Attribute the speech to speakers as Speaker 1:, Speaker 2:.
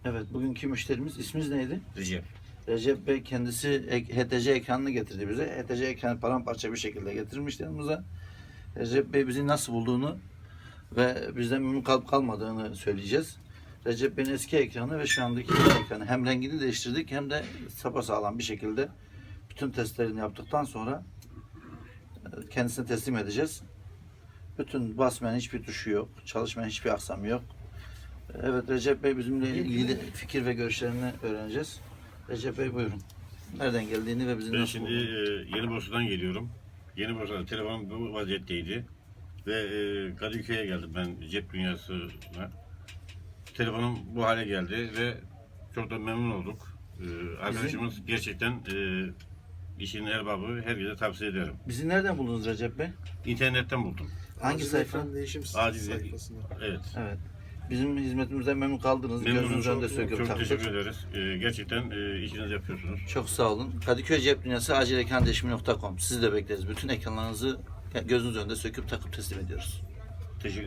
Speaker 1: Evet, bugünkü müşterimiz isminiz neydi?
Speaker 2: Recep.
Speaker 1: Recep Bey kendisi HTC ekranını getirdi bize. HTC ekranı paramparça bir şekilde getirmişti yanımıza. Recep Bey bizi nasıl bulduğunu ve bizden memnun kalıp kalmadığını söyleyeceğiz. Recep Bey'in eski ekranı ve şu andaki yeni ekranı hem rengini değiştirdik hem de sapasağlam bir şekilde bütün testlerini yaptıktan sonra kendisine teslim edeceğiz. Bütün basmayan hiçbir tuşu yok, çalışmayan hiçbir aksamı yok. Evet, Recep Bey bizimle ilgili fikir ve görüşlerini öğreneceğiz. Recep Bey buyurun. Nereden geldiğini ve bizi
Speaker 2: Ben
Speaker 1: nasıl
Speaker 2: şimdi
Speaker 1: bulduğunu.
Speaker 2: Yeni Bursa'dan geliyorum. Yeni Bursa'da telefonum bu vaziyetteydi. Ve Kadıköy'e geldim ben cep dünyasına. Telefonum bu hale geldi ve çok da memnun olduk. Arkadaşımız gerçekten işin erbabı, herkese tavsiye ederim.
Speaker 1: Bizi nereden buldunuz Recep Bey?
Speaker 2: İnternetten buldum.
Speaker 1: Hangi
Speaker 3: Acil
Speaker 1: sayfa?
Speaker 3: ekran değişim
Speaker 2: Acil-
Speaker 3: sayfasında.
Speaker 2: Evet.
Speaker 1: Evet. Bizim hizmetimizden memnun kaldınız.
Speaker 2: Memnunum.
Speaker 1: Gözünüzün önünde söküp
Speaker 2: Çok
Speaker 1: taktık.
Speaker 2: teşekkür ederiz. Gerçekten işinizi yapıyorsunuz.
Speaker 1: Çok sağ olun. Kadıköy Cep Dünyası acil ekran değişimi.com. Sizi de bekleriz. Bütün ekranlarınızı gözünüz önünde söküp takıp teslim ediyoruz.